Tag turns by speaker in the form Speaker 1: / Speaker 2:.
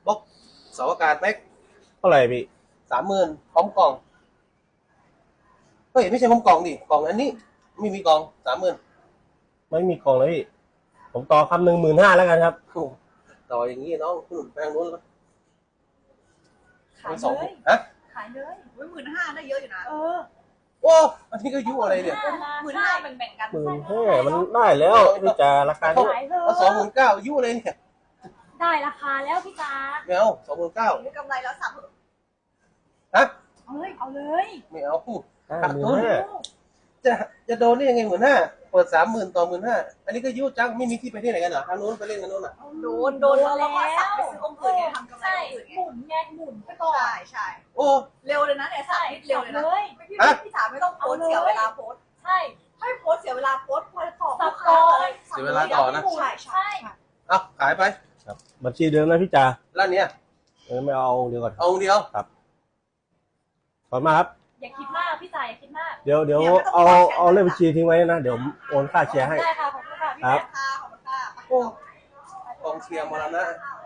Speaker 1: บล็อกเสาอากาศแม็ก
Speaker 2: เท่าไหร่พี่
Speaker 1: 30,000พร้อมกล่องเฮ้ยไม่ใช่พร้อมกล่องดิกล่องอันนี้ไม่มีกล่อง30,000
Speaker 2: ไม่มีกล่องเลยพี่ผมต่อคำ15,000แล้วกันครับ
Speaker 1: ต่ออย่างนี้น้องคุณหนุนแปลงนู้นแล้ว
Speaker 3: ขาย
Speaker 1: สอง
Speaker 3: เลย
Speaker 1: ฮะ
Speaker 3: ขายเลย
Speaker 4: 15,000ได้เยอะอยู่นะ
Speaker 1: โอ้อันนี้ก็ยุ่อะไรเนี่ย
Speaker 4: 15,000แบ่งๆกัน
Speaker 2: 15,000มันได้แล้วพี่จ๋าราคานี้
Speaker 3: ขายเล
Speaker 1: เอา
Speaker 3: ย
Speaker 1: 29,000ยุ่อะไรเนี่ย
Speaker 3: ได้ราคาแล้วพี่จ๋า
Speaker 1: ไม่เอา29,000
Speaker 4: ได้กำไรแล้วสับ
Speaker 1: ฮะ
Speaker 3: เอาเลย
Speaker 1: ไม่เอา
Speaker 2: 15,000
Speaker 1: จะโดนได้ยังไง15,000เปิด30,000ต่อ15,000อันนี้ก็ยุ่จังไม่มีที่ไปที่ไหนกันเหรอทางนู้นไปเล่นกันนู้นอ่ะ
Speaker 4: โดนแล้วเราก็สับไปซื้อองค์อื่นไงทำกำไร
Speaker 3: ใช่
Speaker 4: องค์อื่นไง
Speaker 3: หมุนไงหมุนไปก่อน
Speaker 4: ใช่
Speaker 1: โอ้
Speaker 4: เร็วเลยนะเนี่ยสับนิดเร็วเลยนะ
Speaker 3: เลย
Speaker 4: พี่จ๋าไม่ต้องโพสเสียเวลาโพส
Speaker 3: ใช่
Speaker 4: ให้โพสเสียเวลาโพสต่อ
Speaker 3: สับก่อน
Speaker 1: เสียเวลาต่อนะ
Speaker 4: ใช่
Speaker 1: เอาขายไป
Speaker 2: ครับบัญชีเดิมนะพี่จ๋า
Speaker 1: ร้านเนี้ย
Speaker 2: ไม่เอาเดี๋ยวก่อน
Speaker 1: เอาองค์เดียว
Speaker 2: ขอบคุณมากครับ
Speaker 3: อย่าคิดมากพี่จ๋าอย่าคิดมาก
Speaker 2: เดี๋ยวเอาเลขบัญชีทิ้งไว้นะเดี๋ยวผมโอนค่าแชร์ให้
Speaker 3: ได้ค่ะขอบคุณค่ะพี่
Speaker 2: ครับ
Speaker 4: ค่ะขอบคุณค่ะ
Speaker 1: โอ้กองเชียร์มรณะ
Speaker 4: ค่ะ